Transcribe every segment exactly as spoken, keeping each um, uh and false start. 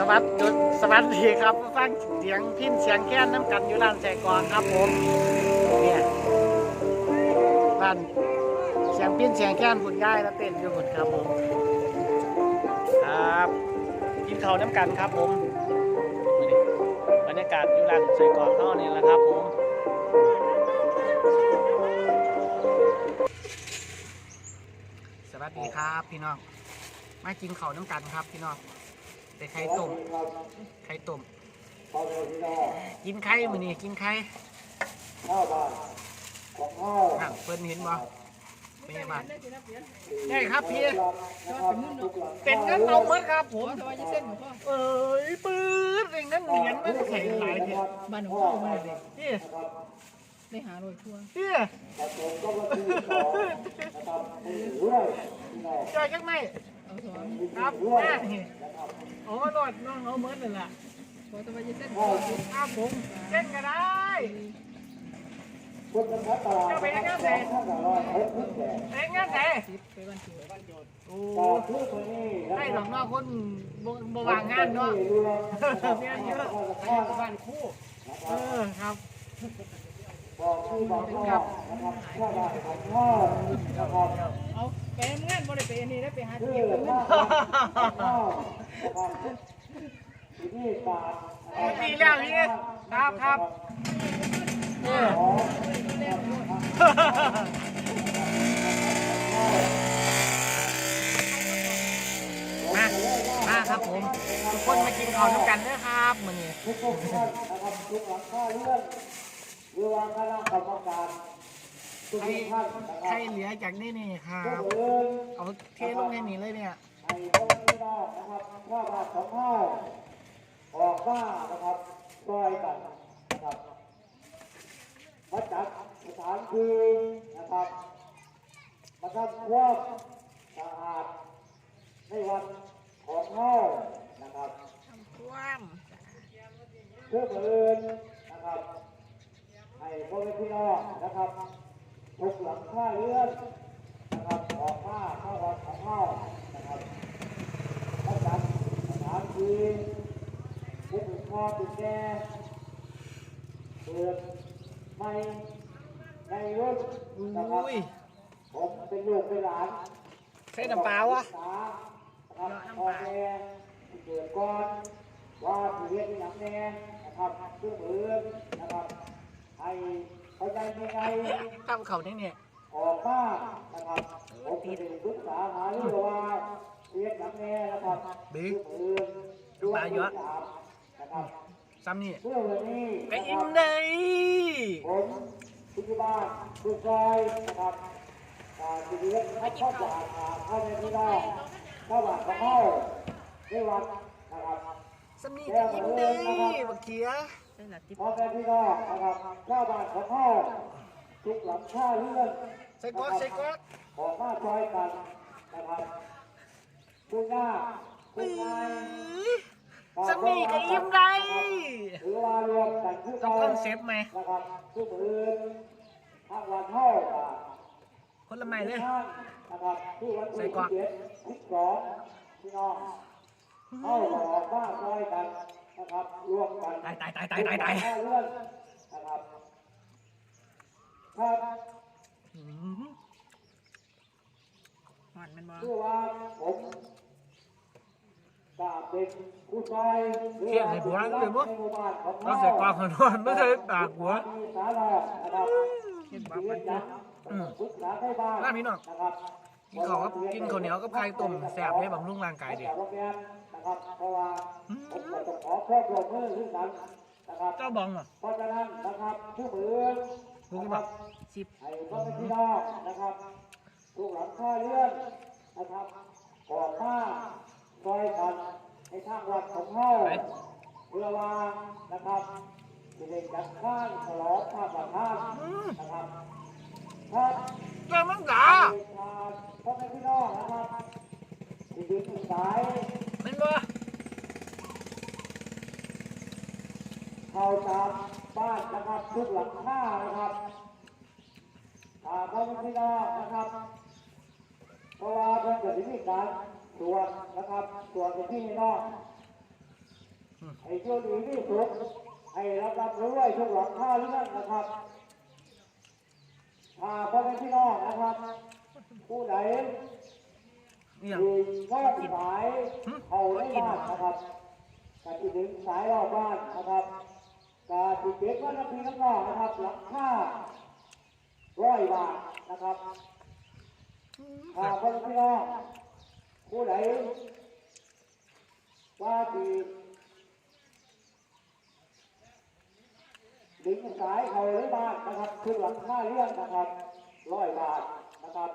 วัสดีสวัสดีครับฟังเสียงพินเสียงแค้นน้ำกันอยู่ร้านแจกอนครับผมเนี่ยร้านเสียงพินเสียงแค้นหุ่นย่ายแล้วเต้นอยู่หุ่นครับผมครับกินข้าวน้ำกันครับผมบรรยากาศอยู่ร้านแจกอนเขาเนี่ยแหละครับผมสวัสดีครับพี่น้องมากินข้าวน้ำกันครับพี่น้องแต่ไข่ต้มไข่ต้มกินไข่มื้อนี้กินไข่นั่งเพิ่นเห็นบ่เป็นไงบ้างได้ครับพี่เป็นเงินเอาเมื่อครับผมเอ้ยปื๊ดเป็นเงินเหรียญมันแข็งหลายเถอะบ้านของพ่อมาเลยพี่ได้หาโรยทั่วพี่จอยจังไหมครับแม่โอ้โดดน้องเอาเมื่อนั่นแหละพอจะไปยืดเส้นครับผมเส้นก็ได้จะไปงานไหนไปงานไหนไปบ้านเกิดบ้านโจทย์โอ้ให้ดอกนอกคนบวางงานเนาะเมียเยอะไปบ้านคู่เออครับครับเอาไปงานบ่ได้ไปอันนี้ได้ไปหาเที่ยวดีแล้วนี่ครับครับเออมามาครับผมทุกคนมากินข้าวด้วยกันนะครับมื้อนี้ทุกคนนะครับทุกหลังข้าเรื่องเรือวางคณะกรรมการทุกท่านใครเหลือจากนี่นี่ครับเอาเทลงในนี้เลยเนี่ยไอ้พวกนี้นะครับว่าบาทของข้าวออกมานะครับซอยกันนะครับมาจัดสถานที่นะครับมาทำความสะอาดในวันของข้าวนะครับทำความเพื่อเพื่อนนะครับให้พ่อแม่พี่น้องนะครับทุกหลังคาเรือนนะครับออกมาเข้าวันของข้าวนะครับมาจัดสถานที่ผู้เป็นพ่อเป็นแม่เปิดไม่ในรถนะครับผมเป็นลูกเป็นหลานใช้น้ำเปล่าวะครับพ่อแม่เกิดก่อนว่าที่เรียนที่หนังแน่นะครับเพื่อเพื่อนนะครับให้เข้าใจยังไงข้ามเขาเนี่ยเนี่ยออกมานะครับผมจะได้ศึกษาหาเรื่องว่าเรียนหนังแน่นะครับบิ๊กดูมาเยอะซ้ำนี่ไปอินเลยผมทุกบ้านทุกซอยนะครับที่เรียนให้ข้าวสารเข้าในที่ได้ข้าวหวานข้าวเข้าได้วันนะครับซ้ำนี่ไปอินเลยบักเขียพอแค่ที่ได้นะครับข้าวหวานข้าวเข้าทุกหลังข้าวเรื่องใส่ก๊อกใส่ก๊อกออกมาซอยกันนะครับคุณหน้าคุณนายสมีกับยิ้มได้ต้องคอนเซปต์ไหมคนละไม่เลยใส่กว่าตายตายตายตายตายตายมันมันมาเที่ยงในหัวนั่นเลยมั้งเราใส่กวางหัวนไม่ใช่ปากหัวเห็นบ้างมันอืมน่ามีหน่อยกินข้าวกับกินข้าวเหนียวกับไข่ต้มแซ่บให้บำรุงร่างกายดิเจ้าบองเหรอกูกี่บาทสิบทุกหลังคาเรือนนะครับก่อนหน้าซอยกันในทางวัดของเขาเพื่อวางนะครับจะได้จัดข้างฉลองข้าประทานนะครับครับเจ้ามังกาพ่อแม่พี่น้องนะครับที่ดินสายเป็นบ่เข้าตามบ้านนะครับทุกหลังคานะครับพ่อแม่พี่น้องนะครับเพราะว่าเพื่อนจะมีการตรวจนะครับตรวจที่นี่นอกให้โชคดีที่สุดให้รับรับรู้ไว้ทุกหลังคาเรื่องนะครับพาพ่อแม่พี่น้องนะครับผู้ใดที่นอกสายเอาได้บ้านนะครับการที่ถึงสายรอบบ้านนะครับการที่เก็บว่าน้ำพีน้ำนองนะครับหลังคาร้อยบาทนะครับพาพ่อแม่พี่น้องผู้ใดว่าที่ดึงสายเอาได้บ้านนะครับคือหลังคาเรื่องนะครับร้อยบาทนะครับ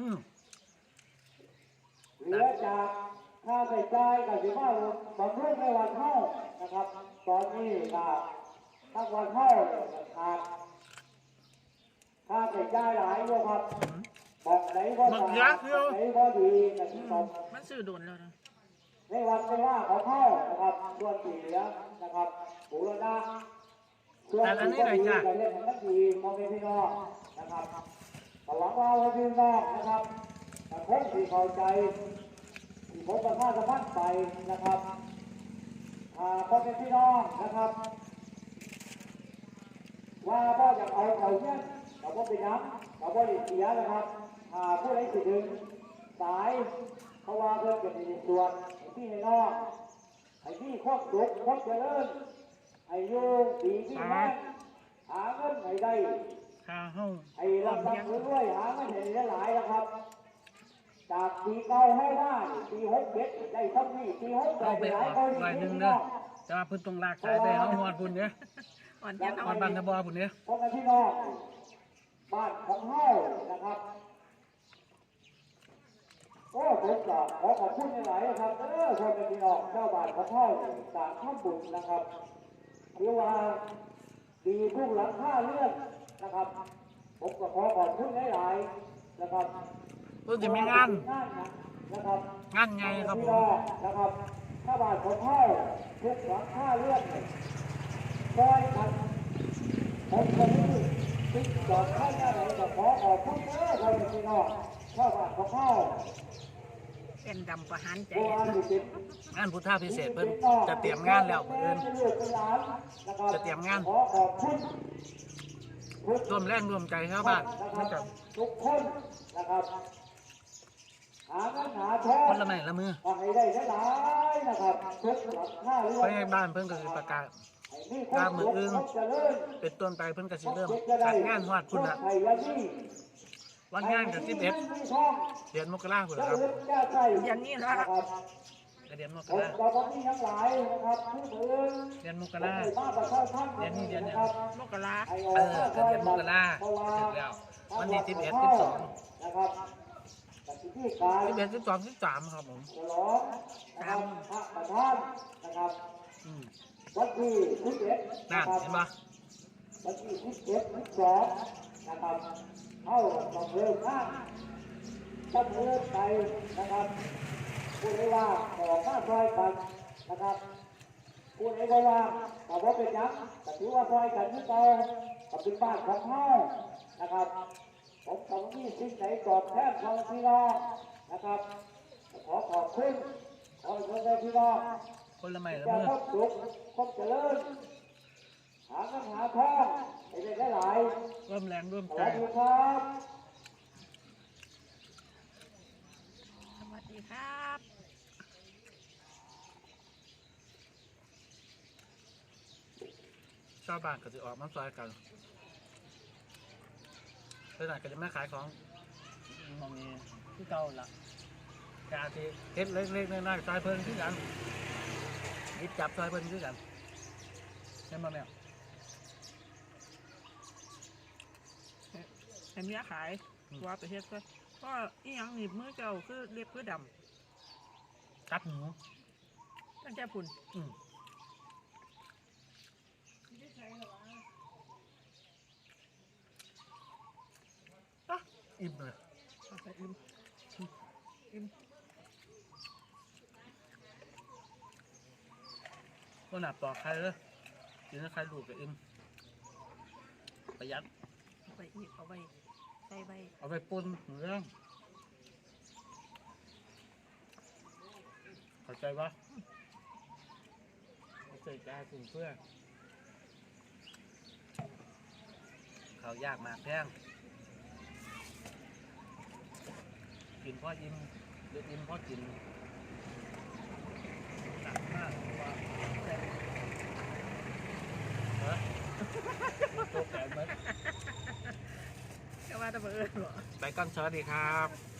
เหลือจากค่าใช้จ่ายกับสิบห้าบำรุงในวันเท่านะครับตอนนี้ก็ทั้งวันเท่าขาดค่าใช้จ่ายหลายอยู่ครับบอกไหนก็ตามไหนก็ดีนะครับมันซื้อโดนแล้วนะในวันเป็นว่าของเท่านะครับส่วนที่เหลือนะครับปูรณะส่วนที่ก็ดีจะเล่นทั้งดีมองเป็นพี่น้องนะครับหวังว่าพี่น้องนะครับแต่คงที่เข้าใจที่ผมประพาสะพัดไปนะครับอ่าพอเป็นพี่น้องนะครับว่าพ่ออยากเอาเขาเนี่ยเราก็ไปย้ำเราก็ได้เสียนะครับอ่าผู้ใดสิดึงสายเพราะว่าเพื่อนเป็นในส่วนไอ้ที่ในนอกไอ้ที่ครอบสุขครอบเจริญไอ้ยูดีที่แม่หาเงินไอ้ได้ข้าห้องไอ้รับรับด้วยหาเงินเห็นได้หลายนะครับจากปีเก้าให้ได้ปีหกเจ็ดได้ทั้งนี้ปีหกแปดหลายคนหลายหนึ่งเนาะจะมาพื้นตรงลากสายไปเอาหอดพุ่นเนี่ยหอดหอดบันทบอพุ่นเนี่ยพวกพี่น้องบ้านของเฮานะครับโอ้ผมจะขอขอบคุณหลายๆครับเออคนเป็นพี่น้องเจ้าบ้านของเฮาต่างทำบุญนะครับเรียกว่าดีทุกหลังค่าเลื่อนนะครับผมก็ขอขอบคุณหลายๆนะครับเพิ่งจะมีงานนะครับงานไงครับผมนะครับถ้าบาทของพ่อทุกหลังค่าเลื่อนซอยกันผมคนนี้ติดจอดข้างหน้าไหนก็ขอขอบคุณเด้อคนพี่น้องถ้าบาทของพ่อเป็นดำประหารใจงานพุทธาพิเศษเพิ่นจะเตรียมงานแล้วเพิ่นจะเตรียมงานร่วมแรงร่วมใจชาวบ้านนะครับทุกคนนะครับหาเงินหาทองคนละไม้ละมือให้ได้หลายนะครับทุกหลังคาเรือนไปบ้านเพิ่นก็สิประกาศตามมืออึ้งเป็นต้นไปเพิ่นก็สิเริ่มจัดงานฮอดพุ่นละวันงานกับสิบเอ็ดเดือนมกราคมครับอย่างนี้นะเดือนมกราเดือนมกราเดือนนี้เดือนเนี่ยมกราเออเดือนมกราถึงแล้ววันนี้สิบเอ็ดสิบสองสิบเอ็ดสิบสองสิบสามครับผมสามนะครับวันที่สิบเอ็ดนั่นเห็นปะวันที่สิบเอ็ดสิบสองนะครับเข้าต้องเริ่มข้างต้องเริ่มไปนะครับพูดได้ว่าขอข้าซอยกันนะครับพูดได้ว่าแต่ว่าเป็นยักษ์แต่ถือว่าซอยกันที่เก่ากับเป็นบ้านของเฮานะครับผมต้องมีสิ่งไหนตอบแทนของพี่น้องนะครับขอขอบคุณขอขอบคุณพี่น้องคนละไม้ละมือครบสุขครบเจริญหาเงินหาทองให้ได้หลายร่วมแรงร่วมใจสวัสดีครับสวัสดีครับชาวบ้านก็จะออกมาซอยกันไปไหนก็จะไม่ขายของมองนี้ที่เก่าละกาที่เฮ็ดเล็กๆน้อยๆซอยเพิ่นคือกันยิบจับซอยเพิ่นคือกันเห็นไหมแม่เห็นเนี้ยขายว่าไปเฮ็ดก็ก็อีหยังหนีบมือเจ้าคือเล็บคือดำกัดหมูตั้งใจพุ่นอืมอิ่มเลยอิ่มอิ่มก็หนักต่อใครเลยกินแล้วใครดูกับอิ่มประหยัดเอาไปอีกเอาไปใส่ใบเอาไปปุ้นเรื่องเข้าใจปะโอใส่ใจกลุ่มเพื่อนเขายากมากแพงกินพ่ออิ่มเดือดอิ่มพ่อกินหนักมากว่าแต่ฮะโตแขนมันก็ว่าจะเบื่อหรอไปกันสวัสดีครับ